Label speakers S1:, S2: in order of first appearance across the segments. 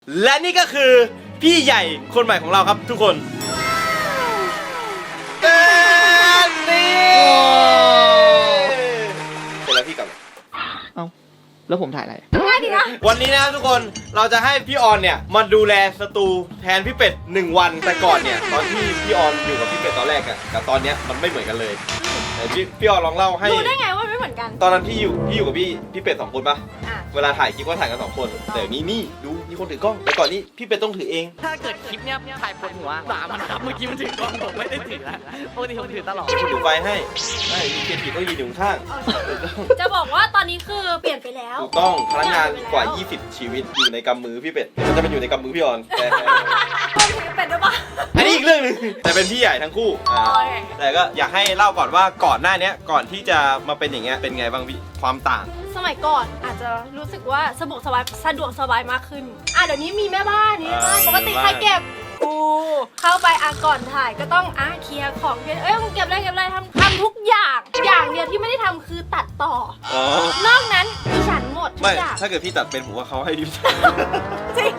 S1: และนี่ก็คือพี่ใหญ่คนใหม่ของเราครับทุกคนนี่เสร็จแล้วพี่กลับ
S2: เอ้าแล้วผมถ่ายอะไร
S3: ง่ายดีนะ
S1: วันนี้นะครับทุกคนเราจะให้พี่ออนเนี่ยมาดูแลสตูแทนพี่เป็ด1 วันแต่ก่อนเนี่ยตอนที่พี่ออนอยู่กับพี่เป็ดตอนแรกอะกับตอนเนี้ยมันไม่เหมือนกันเลยแต่พี่ออนลองเล่าให้
S3: ดูได้ไงว่าไม่เหมือนกัน
S1: ตอนนั้นพี่อยู่กับพี่เป็ด2 คนปะเวลาถ่ายคลิปก็ถ่ายกัน2 คนแต่นี่ดูมีคนถือกล้องแต่ก่อนนี้พี่เป็ดต้องถือเอง
S2: ถ้าเกิดคลิปเนี้ยถ่ายปวดหัวมันครับเมื่อกี้มันถือกล้องผมไม่ได้ถือแล้วปกติผมถือตลอด
S1: ถือไฟให้มีเกียร์ผิดต้องยืนอยู่ข้าง
S3: จะบอกว่าตอนนี้คือเปลี่ยนไปแล้ว
S1: ถูกต้องพนักงานกว่า20ชีวิตอยู่ในกำมือพี่เป็ดมันจะเป็นอยู่ในกำมือพี่ออนแต่
S3: เป็ดหรือเปล่า
S1: อันนี้อีกเรื่องนึงแต่เป็นพี่ใหญ่ทั้งคู่แต่ก็อยากให้เล่าก่อนว่าก่อนหน้านี้ก่อนที่จะมาเป็นอย่างเงี้ยเป็นไงบ้างพี่ความต่าง
S3: สมัยก่อนอาจจะรู้สึกว่าสะดวกสบายมากขึ้นเดี๋ยวนี้มีแม่บ้านนี่ปกติใครเก็บกูเข้าไปก่อนถ่ายก็ต้องเคลียร์ของมึงเก็บอะไรทำทุกอย่างเดียวที่ไม่ได้ทำคือตัดต่อนอกนั้นดิฉันหมดทุกอย่าง
S1: ถ้าเกิดพี่ตัดเป็นผมว่าเขาให้ดิฉัน
S3: จริง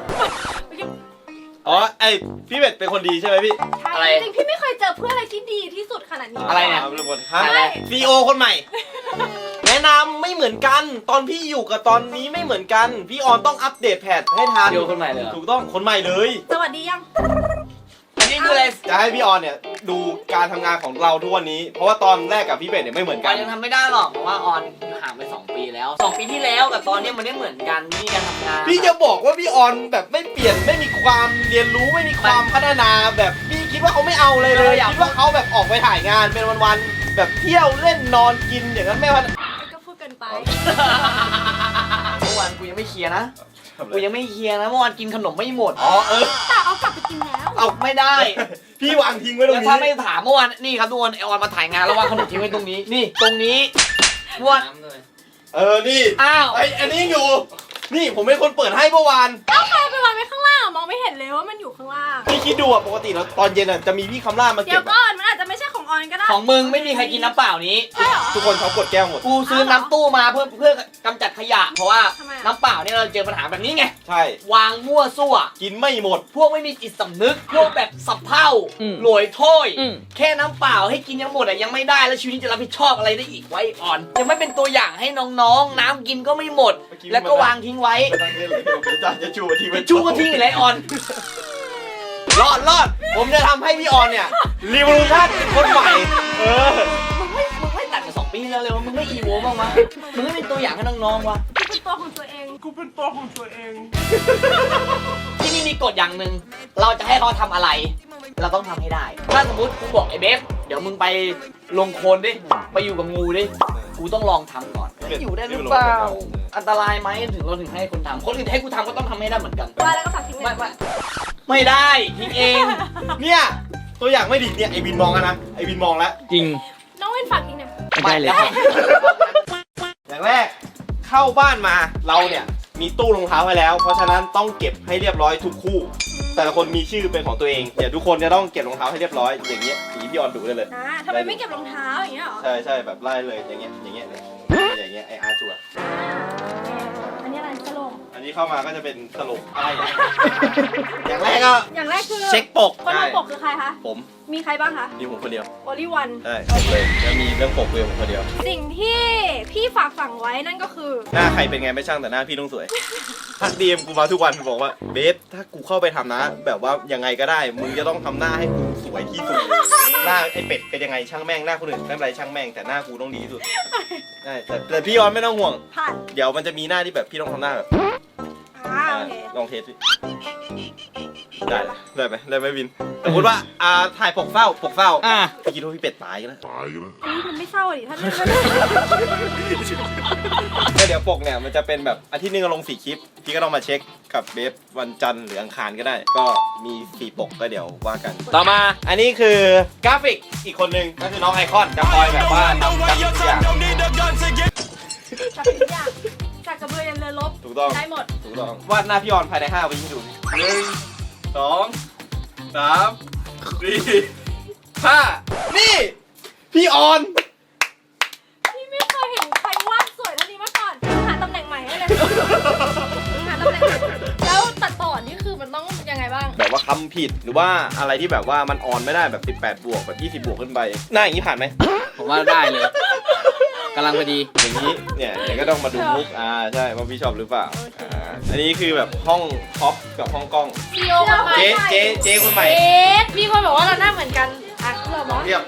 S1: พี่เป็ดเป็นคนดีใช่ไหมพี่
S3: อะไรจริงพี่ไม่เคยเจอเพื่อนอะไรที่ดีที่สุดขนาดนี้
S2: อะไรเนี่ย
S1: ทุกคนซีโอคนใหม่แนะนำไม่เหมือนกันตอนพี่อยู่กับตอนนี้ไม่เหมือนกันพี่ออนต้องอัปเดตแพทให้ทัน
S2: ซีโอคนใหม่เลย
S1: ถูกต้องคนใหม่เลย
S3: สวัสดียัง
S1: อันนี้คืออะไรจะให้พี่ออนเนี่ยดูการทำงานของเราทุกวันนี้เพราะว่าตอนแรกกับพี่เป็ดเนี่ยไม่เหมือนกัน
S2: ยังทำไม่ได้หรอกเพราะว่าออนห่างไป2 ปีแล้ว2 ปีที่แล้วกับตอนนี้มันไม่เหมือนกันนี่การทำงาน
S1: พี่จะบอกว่าพี่ออนแบบไม่เปลี่ยนไม่มีความเรียนรู้ไม่มีความพัฒนาแบบพี่คิดว่าเขาไม่เอาเลยคิดว่าเขาแบบออกไปถ่ายงานเป็นวันๆแบบเที่ยวเล่นนอนกินอย่างนั้นไม่พัฒนา
S3: ก็พูดกันไป
S2: เมื่อวานกูยังไม่เคลียร์นะเมื่อวานกินขนมไม่หมด
S3: แต่เอากลับไปกินแล้ว
S2: เอาไม่ได้
S1: พี่วางทิ้งไว้ตรงนี้
S2: ถ้าไม่ถามเมื่อวานนี่ครับทุกคนไอออนมาถ่ายงานแล้ววางขนมทิ้งไว้ตรงนี้นี่ตรงนี้เมื่อวาน
S1: นี่
S2: อ้าว
S1: อันนี้อยู่นี่ผมเป็นคนเปิดให้เมื่อวาน
S3: ใครไปวางไว้ข้างล่างมองไม่เห็นเลยว่ามันอยู่ข้างล่าง
S1: พี่คิดดูปกติแล้วตอนเย็นจะมีพี่คำล่ามาเก็บ
S3: เดี๋ยวก่อนมันอาจจะไม่ใช่ของออนก็ได้
S2: ของมึงไม่มีใครกินน้ำเปล่านี้
S3: ใช่หรอ
S1: ทุกคนเขากดแก้วหมด
S2: กูซื้อน้ำตู้มาเพื่อกำจัดขยะเพราะว่าน้ำเปล่าเนี่ยเราเจอปัญหาแบบนี้ไง
S1: ใช่
S2: วางมั่วซั่ว
S1: กินไม่หมด
S2: พวกไม่มีจิตสำนึกพวกแบบสับเผ่าหลวยถ้วยแค่น้ำเปล่าให้กินยังหมดยังไม่ได้แล้วชีวิตนี้จะรับผิดชอบอะไรได้อีกไว้อ่อนยังไม่เป็นตัวอย่างให้น้องๆน้ำกินก็ไม่หมดแล้วก็วางทิ้งไว้
S1: จะชูทิ้งไป
S2: ชูก็ทิ้งอะไรออน
S1: รอดผมจะทำให้พี่ออนเนี่ยรีวิวชั่นเป็นคนใหม่
S2: มึงไม่ตัดมา2 ปีแล้วเลยมึงไม่อีโวบ้างวะมึงไม่เป็นตัวอย่างให้น้องๆวะ
S3: กูเป็นตัวของตัวเอง
S2: ที่นี่มีกฎอย่างหนึ่งเราจะให้เขาทำอะไรเราต้องทำให้ได้ถ้าสมมติกูบอกไอ้เบฟเดี๋ยวมึงไปลงโคลนดิไปอยู่กับงูดิกูต้องลองทำก่อนอยู่ได้หรือเปล่าอันตรายไหมถึงเราถึงให้คนทำคนอื่นให้กูทำก็ต้องทำให้ได้เหมือนกัน
S3: ว่าแล้วก็ฝากทิ้ง
S2: ไม่ได้ทิ้งเอง
S1: เนี่ยตัวอย่างไม่ดีเนี่ยไอวินมองนะไอวินมองแล้ว
S2: จริง
S3: น้องวินฝากทิ้งเนี่ย
S2: ไม่เลย
S1: อย่างแรกเข้าบ้านมาเราเนี่ยมีตู้รองเท้าไว้แล้วเพราะฉะนั้นต้องเก็บให้เรียบร้อยทุกคู่แต่ละคนมีชื่อเป็นของตัวเองเดี๋ยวทุกคนจะต้องเก็บรองเท้าให้เรียบร้อยอย่างเงี้ยพี่ออนดูได้เลย
S3: ทำไมไม่เก็บรองเท้าอย่างเงี้ยหรอ
S1: ใช่แบบไล่เลยอย่างเงี้ยเลยอย่างเงี้ยไออาร์ชัว
S3: อันนี้อะไรสลบ
S1: อันนี้เข้ามาก็จะเป็นสลบอะไรอย่างแรกคือ
S3: เช็
S1: คปก
S3: คนทำปกคือใครคะ
S1: ผม
S3: มีใครบ้างคะ
S1: มีผมคนเดียว
S3: only one
S1: ใช่เลยจะมีเรื่องปกเลยผมคนเดียว
S3: สิ่งที่พี่ฝากฝังไว้นั่นก็คือ
S1: หน้าใครเป็นไงไม่ช่างแต่หน้าพี่ต้องสวยทักดีมกูมาทุกวันบอกว่าเบฟถ้ากูเข้าไปทำนะแบบว่ายังไงก็ได้มึงจะต้องทำหน้าให้กูสวยที่สุดหน้าไอเป็ดเป็นยังไงช่างแม่งหน้าคนอื่นไม่เป็นไรช่างแม่งแต่หน้ากูต้องดีที่สุดใช่แต่พี่ออนไม่ต้องห่วงเดี๋ยวมันจะมีหน้าที่แบบพี่ต้องทำหน้าแบบลองเทสได้ไหมวินสมมติว่าถ่ายปกเศร้าพี่คิดว่าพี่เป็ดตายกันแล้ว
S3: อันนี้มันไม่เศร้าดิท่าน
S1: เดี๋ยวปกเนี่ยมันจะเป็นแบบอาทิตย์นึงลง4 คลิปพี่ก็ต้องมาเช็คกับเบฟวันจันทร์หรืออังคารก็ได้ก็มี4 ปกก็เดี๋ยวว่ากันต่อมาอันนี้คือกราฟิกอีกคนนึงก็คือน้องไอคอนจะคอยแบบว่าทำกราฟิกทุกอย่าง
S3: จากกระเบื้องยันเรือรบ
S1: ถูกต้อง
S3: ได้หมด
S1: ถูกต้องวาดหน้าพี่ออนภายใน5 วิให้ดู1 2 3 4 5นี่พี่ออน
S3: พี่ไม่เคยเห็นใครวาดสวยเท่านี้มาก่อนหาตำแหน่งใหม่ให้เลยหาตำแหน่งแล้วตัดต่อ
S1: แบบว่าคำผิดหรือว่าอะไรที่แบบว่ามันออนไม่ได้แบบ18บวกแบบ20บวกขึ้นไปหน้าอย่างนี้ผ่านไหม
S2: ผมว่าได้เลยกำลังพอดี
S1: อย่างนี้เนี่ยเดี๋ยวก็ต้องมาดูมุกใช่ว่าพี่ชอบหรือเปล่าอันนี้คือแบบห้องท็อปกับห้องกล้อง
S3: ซีโอคนใหม่
S1: เจ๊คนใหม่
S3: มีคนบอกว่าเราหน้าเหมือนกันอ่ะเราบ
S1: ล
S3: อ
S1: อก งเทียบ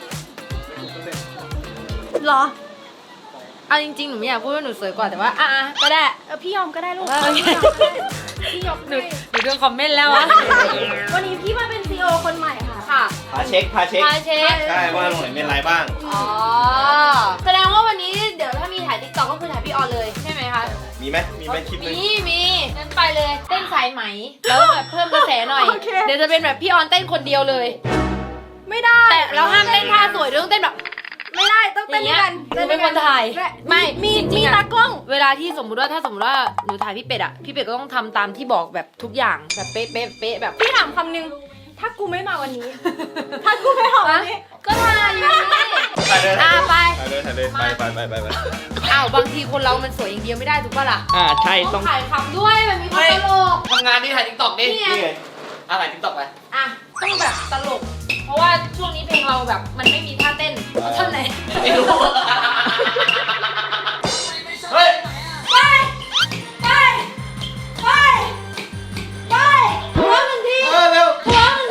S3: เหรอ
S4: เอาจริงๆ หนูไม่อยากพูดว่าหนูสวยกว่าแต่ว่า
S3: อ่ะก็ได้พี่ยอมก็ได้ลูกพี่ยอม
S4: หนูโดนคอมเมนต์แล้วอะ
S3: วันนี้พี่มาเป็นซีโอคนใหม่ค่ะ
S4: ค่ะ
S1: พาเช็ค
S4: พาเช็ค
S1: ใช่ว่าตรงไหนเป็นไรบ้าง
S4: อ๋อ แสดงว่าวันนี้เดี๋ยวถ้ามีถ่ายติ๊กต็อกก็คือถ่ายพี่ออนเลยใช่ไหมคะ
S1: มีไหมคลิปนึง
S4: มีงั้นไปเลยเต้นสายไหม แล้วแบบเพิ่มกระแสหน่อย เดี๋ยวจะเป็นแบบพี่ออนเต้นคนเดียวเลย
S3: ไม่ได้
S4: แต่เราห้ามเต้นท่าสวยด้วยต้องเต้นแบบ
S3: ไม่ได้ต้องเต้นด้วยกัน
S4: หนูเป็นคนถ่ายไม่
S3: มี
S4: จริ
S3: มี
S4: งๆอะ
S3: ตากล้อง
S4: เวลาที่สมมุติว่าถ้าสมมติว่าหนูถ่ายพี่เป็ดอะพี่เป็ดก็ต้องทำตามที่บอกแบบทุกอย่างแบบเป๊ะเป๊ะเป๊ะแบบ
S3: พี่ถามคำนึงถ้ากูไม่มาวันนี้ ถ้ากูไม่มาวันนี้
S4: ก็ถ่ายอยู่นี่
S1: ถ่ายเลย
S4: อ่ะไป
S1: ถ่ายเลยไป
S4: อ้าวบางทีคนเรามันสวยอย่างเดียวไม่ได้ถูกปะล่ะ
S2: ใช่
S4: ต้
S2: ต้
S4: อ
S2: อง ง
S4: ถ่ายคำด้วยมันมีความตลก
S2: ทำงานที่ถ่ายติ๊กต็อกดิ
S4: นี่ไง
S1: นี่ไง
S2: ถ่ายติ๊กต็อกไป
S4: อ่ะต้องแบบตลก เพราะว่าช่วงนี้เพลงเราแบบมันไม่มีท่าเต้นท่อนไหน
S2: ไม่รู้ เฮ้ย
S3: ไปหัวมึงที
S1: เร็ว
S3: หัวมึงที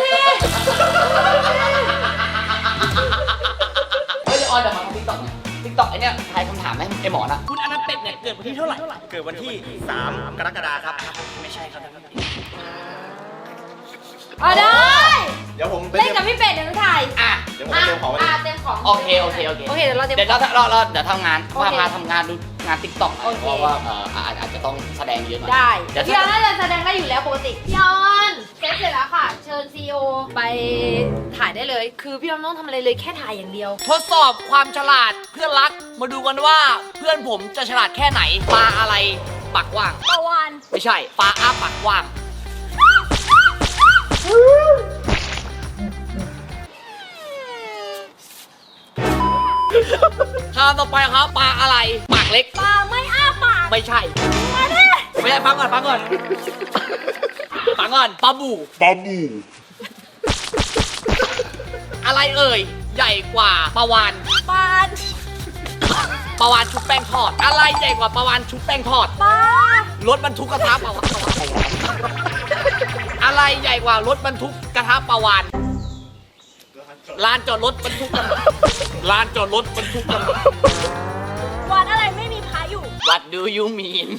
S2: เฮ้ยออนเดี๋ยวมาทำติ๊กต็อกติ๊กต็อกไอเนี้ยทายคำถามให้ไอหมอนะคุณอนันต์เป็ดเนี่ยเกิดวันที่เท่าไหร่
S1: เกิดวันที่3 กรกฎาคมครับ
S2: ไม่ใช่ครับ
S4: อ๋อได้
S1: เดี๋ยวผมไป
S4: เล่นกับพี่เป็ดเดี๋ยวหนูถ่าย
S2: อ่ะ
S1: เดี๋ยวผมไปเตรียมของไว้
S4: เตรียมของ
S2: โอเค
S4: เดี๋ยวเราเตรียม
S2: เดี๋ยวเราทำงาน
S4: โอเค
S2: มาทำงานดูงานติ๊กต็อก
S4: โอเค
S2: เพราะว่าอาจจะต้องแสดงเยอะหน่อย
S4: ได้
S2: เดี๋ยว
S4: พี่ออนน่าจะแสดงได้อยู่แล้วปกติพี่ออนเสร็จแล้วค่ะ เชิญซีโอไปถ่ายได้เลย คือพี่ออนไม่ต้องทำอะไรเลยแค่ถ่ายอย่างเดียว
S2: ทดสอบความฉลาดเพื่อนรัก มาดูกันว่าเพื่อนผมจะฉลาดแค่ไหนปลาอะไรปากกว้าง
S3: ตะวัน
S2: ไม่ใช่ปลาอ้าปากกว้างคำต่อไปครับปลาอะไร ปากเล็ก
S3: ปลาไม่อ้าปาก
S2: ไม่ใช่
S3: มาดิ
S2: ไม่ใช่ฟังก่อนปลาบูอะไรเอ่ย ใหญ่กว่าปลาวาน
S3: ปลา
S2: ปลาวานชุบแป้งทอด อะไรใหญ่กว่าปลาวานชุบแป้งทอด
S3: ปลาร
S2: ถบรรทุกกระทะปลาวานอะไรใหญ่กว่ารถบรรทุกกระทะปลาวานลานจอดรถบรรทุกกันลานจอดรถบรรทุกกัน
S3: วัดอะไรไม่มีพระอยู่
S2: What do you mean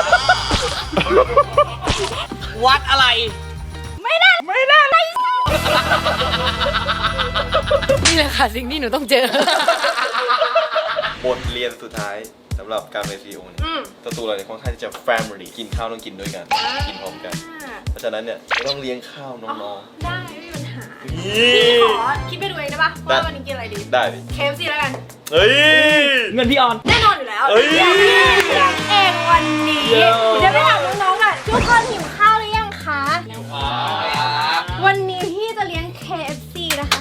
S2: วัดอะไร
S3: ไม่ได้
S4: นี่แหละค่ะสิ่งที่หนูต้องเจอ
S1: บทเรียนสุดท้ายสำหรับการเป็นซีอีโอเนี่ยตัวเราเนี่ยค่อนข้างที่จะ family กินข้าวต้องกินด้วยกัน กินพร้อมกัน เพราะฉะนั้นเนี่ยจะต้องเลี้ยงข้าวน้อง
S3: ได้ไม่มีปัญหา
S1: ๆ
S3: พี่ขอคิดไปดูเองได้ปะว่าวันนี้กินอะไรดี
S1: ได้ดิ
S3: KFC แล้วกัน
S1: เฮ้ย
S2: เงินพี่ออน
S3: แน่นอนอยู่แล้ว
S1: เอ้ย
S3: เลี้ยงเองวันนี้
S2: เย้
S3: เดี๋ยวไปถามน้องๆอ่ะทุกคนหิวข้าวหรือยังคะ วันนี้พี่จะเลี้ยง KFC นะคะ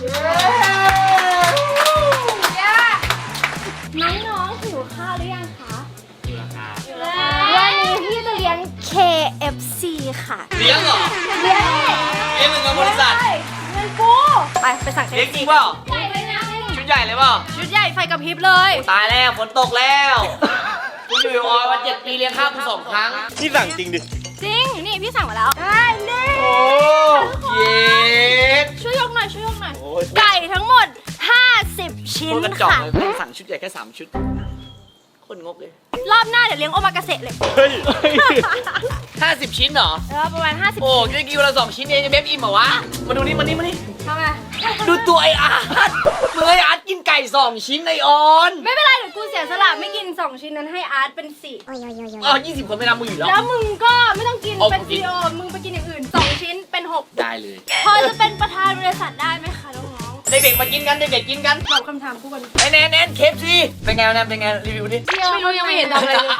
S3: น้องๆหิวข้าวหรือยังคะวันนี้พี่จะเลี้ยง KFC ค่ะ
S2: เลี้ยงเหรอ
S3: เลี้ยง
S2: เลี้ยงเหมือนกับบริษัท
S3: เงินกูไปสั่ง
S2: เลี้ยง
S3: KFC
S2: จริงเปล่า
S3: ใหญ่เลยนะ
S2: ชุดใหญ่เลยเปล่า
S3: ชุดใหญ่ไฟกระพริบเลย
S2: ตายแล้วฝนตกแล้วกูอยู่ออยมา7 ปีเลี้ยงข้าวกู2 ครั้ง
S1: นี่สั่งจริงดิ
S3: จริง นี่พี่สั่งมาแล้วได้นี่
S2: เย็ด
S3: ช่วยยกหน่อยช่วยยกหน่อย
S1: โอ้ย
S3: ไก่ทั้งหมด 50 ชิ้น
S2: คนกระจอก
S3: ค่ะ
S2: เลยเพิ่งสั่งชุดใหญ่แค่3 ชุด คนงกเลย
S3: รอบหน้าเดี๋ยวเลี้ยงโอมากาเสะเลย
S1: เฮ้ย
S2: 50 ชิ้นเหรอ
S3: ประมาณ 50
S2: โอ้ยกินวันละ2 ชิ้นเองเบฟอิ่มเหรอวะ มาดูนี่มานี่
S3: ทำไม
S2: ดูตัวไออาร์ตมึงไออาร์ตกินไก่ 2 ชิ้นไอออน
S3: ไม่เป็นไรเดี๋ยวกูเสียสละไม่กิน 2 ชิ้นนั้นให้อาร์ตเป็น4
S2: 20 คนไม่นับมึงอยู่แล้ว
S3: แล้วมึงก็ไม่ต้องกิน
S2: เอา
S3: เป็น
S2: กูกิน
S3: ซีโอมึงไปกินอย่างอื่น 2 ชิ้นเป็น 6
S2: ได้เลย
S3: พอจะเป็นประธานบริษัทได้ไหมคะน้อง
S2: เด็กๆมากินกัน เด็กๆกินกัน
S3: ๆตอบคำถามกูก่อน
S2: ไอแนนเคฟซีเป็นไงแนนเป็นไงรีวิวดิ
S4: ไม่รู้ยังไม่เห็นทำอะไรเลย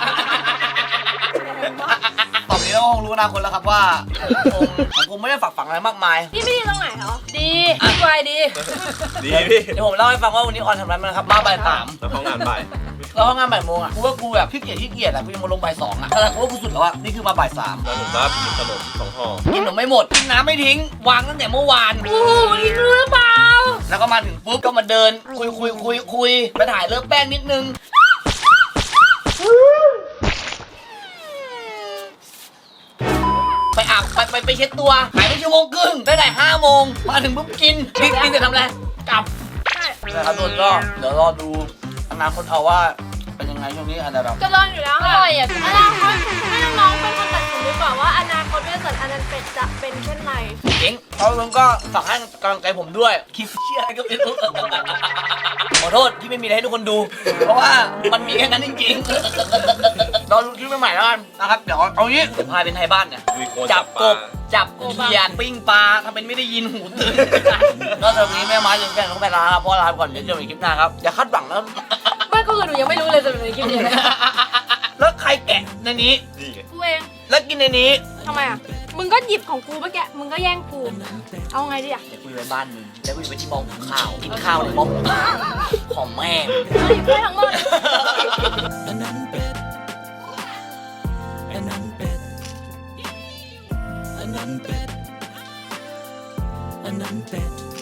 S2: ตอบนี้เราคงรู้อนาคตแล้วครับว่าผมคงไม่ได้ฝักฝังอะไรมากมาย
S3: นี่ไม่ดีตรงไหนเหรอ
S4: ดีสบายดี
S1: ดีพี่
S2: เดี๋ยวผมเล่าให้ฟังว่าวันนี้ออนทำอะไรมานะครับมาบ่าย 3
S1: แล้วเขางานบ่าย
S2: แล้วห้องงานบ่ายโมงอ่ะกูว่ากูแบบขี้เกียจอะกูยังมาลงบ่าย2อ่ะแต่กูว่ากูสุดแล้วอ่ะนี่คือมาบ่าย3
S1: แล้วผมรับกินขนม2 ห่อ
S2: กินขนมไม่หมดกินน้ำไม่ทิ้งวางตั้งแต่เมื่อวาน
S3: โอ้โหนี่รู้หรือเปล่า
S2: แล้วก็มาถึงปุ๊บก็มาเดินคุยไปถ่ายเลิฟแป้งนิดนึงไปอาบไปเช็ดตัวหายไปชั่วโมงครึ่งได้ไหน5 โมงมาถึงปุ๊บกินจะทำอะไรกลับ
S3: ใช่
S2: นะครับทุกคนก็เดี๋ยวรอดูอนาคตเอาว่าเป็นยังไงช่วงนี้อาจจะแบบ
S3: ก็รออยู่แล้ว
S4: อ
S3: ค่ะ
S4: ร่อยอ่ะ
S3: อนาคตให้น้องๆเป็นคนตัดสินดีกว่าว่าอนาคตด้วยสันอนันต์เป็ดจะเป็นเช่นไร
S2: เจ๋งเอาลงก็ฝากให้กำลังใจผมด้วยคลิปเชี่ยอะไรก็ไม่รู้ขอโทษที่ไม่มีอะไรให้ทุกคนดู เพราะว่ามันมีแค่นั้นจริงๆรอดูคลิปใหม่ๆแล้วกันนะครับเดี๋ยวเอางี้เดี๋ยวพาเป็นไทยบ้านเนี่ย
S1: มีคน
S2: จับกบจับเขียดปิ้งปลาทำเป็นไม่ได้ยินหูตื่นก็สำหรับวันนี้แม่ไม้จนแฟนต้องไปลาครับเพราะลาไปก่อนเดี๋ยวเจอกันอีกคลิปหน้าครับอย่าคาดหวังแล้ว
S4: ไม่ก็คือหนูยังไม่รู้เลยจะเป็นคลิปนี้เลย
S2: แล้วใครแกะในนี้
S1: นี่ไง
S3: กูเอง
S2: แล้วกินในนี้
S3: ทำไมอ่ะ มึงก็หยิบของกูเมื่อกี้มึงก็แย่งกู เอาไงดีอ่ะ
S2: เดี๋ยวกูจะไปบ้านมึงแล้วกูจะไปที่หม้อหุงข้าวกินข้าวในหม้อหุงข้าวของแม่ง
S3: เอาหยิบไปทั้งหมด
S5: อันนั้นเป็ดอันนั้นเป็ดอันนั้นเป็ดอันนั้นเป็ด